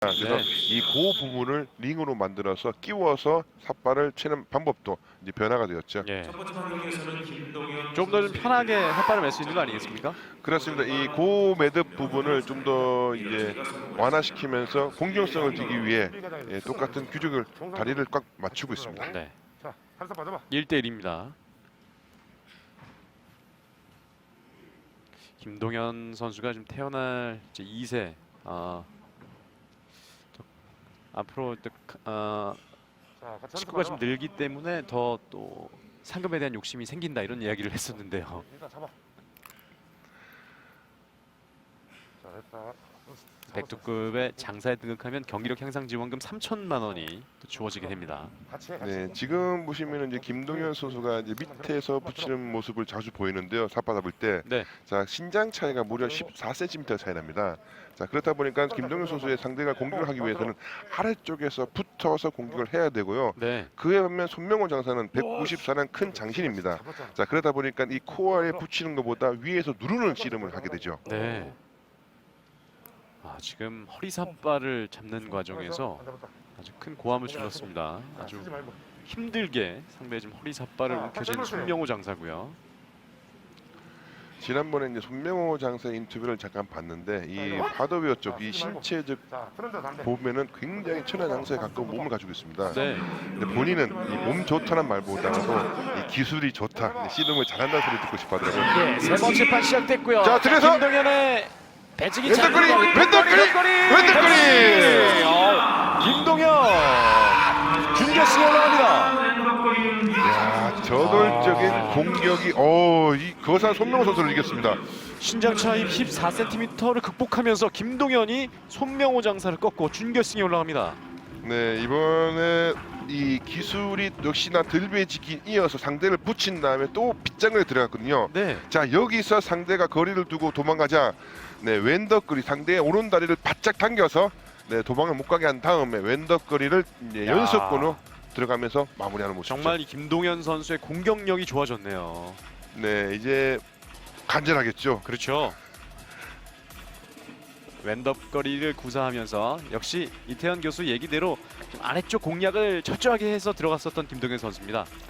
그래서 네. 이 고 부분을 링으로 만들어서 끼워서 삿발을 치는 방법도 이제 변화가 되었죠. 예. 좀 더 좀 편하게 삿발을 맬 수 있는 거 아니겠습니까? 그렇습니다. 이 고 매듭 부분을 좀 더 이제 완화시키면서 공정성을 주기 위해 똑같은 규격을 다리를 꽉 맞추고 있습니다. 네. 자, 한사 빠져봐. 1대1입니다. 김동현 선수가 좀 태어날 이제 2세 앞으로 자, 같이 식구가 좀 늘기 때문에 더 또 상금에 대한 욕심이 생긴다 이런 이야기를 했었는데요. 일단 잡아. 자, 됐다. 백두급의 장사에 등극하면 경기력 향상 지원금 3천만 원이 또 주어지게 됩니다. 같이 해. 네, 지금 보시면은 이제 김동현 선수가 이제 밑에서 붙이는 모습을 자주 보이는데요. 삿바 잡을 때, 네. 자 신장 차이가 무려 14cm 차이 납니다. 자 그렇다 보니까 김동현 선수의 상대가 공격을 하기 위해서는 아래쪽에서 붙어서 공격을 해야 되고요. 네. 그에 반면 손명호 장사는 194는 큰 장신입니다. 자 그러다 보니까 이 코어에 붙이는 것보다 위에서 누르는 씨름을 하게 되죠. 네. 지금 허리 삿발을 잡는 과정에서 아주 큰 고함을 질렀습니다. 아주 쓰지 말고. 힘들게 상대의 좀 허리 삿발을 움켜쥔 손명호 장사고요. 지난번에 이제 손명호 장사 인터뷰를 잠깐 봤는데 이 하드웨어 쪽 이 신체적 자, 프런트 담배. 보면은 굉장히 천하 장사에 가까운 몸을 가지고 있습니다. 네. 근데 본인은 이 몸 좋다는 말보다도 이 기술이 좋다, 씨름을 잘한다는 소리 듣고 싶어하더라고요. 예, 세 번째 판 시작됐고요. 자, 들어서! 김동현의 배지기 왼쪽거리! 잡는 왼쪽거리! 왼쪽거리! 김동현 준결승에 올라갑니다. 야, 저돌적인 공격이 이 거산 손명호 선수를 이겼습니다. 신장 차이 14cm를 극복하면서 김동현이 손명호 장사를 꺾고 준결승에 올라갑니다. 네, 이번에 이 기술이 역시나 들배지기 이어서 상대를 붙인 다음에 또 빗장을 들어갔거든요. 네. 자, 여기서 상대가 거리를 두고 도망가자 왼덕거리 상대의 오른다리를 바짝 당겨서 도망을 못 가게 한 다음에 왼덕거리를 이제 야. 연속권으로 들어가면서 마무리하는 모습이죠. 정말 이 김동현 선수의 공격력이 좋아졌네요. 네, 이제 간절하겠죠. 그렇죠. 왼덥거리를 구사하면서 역시 이태현 교수 얘기대로 좀 아래쪽 공략을 철저하게 해서 들어갔었던 김동현 선수입니다.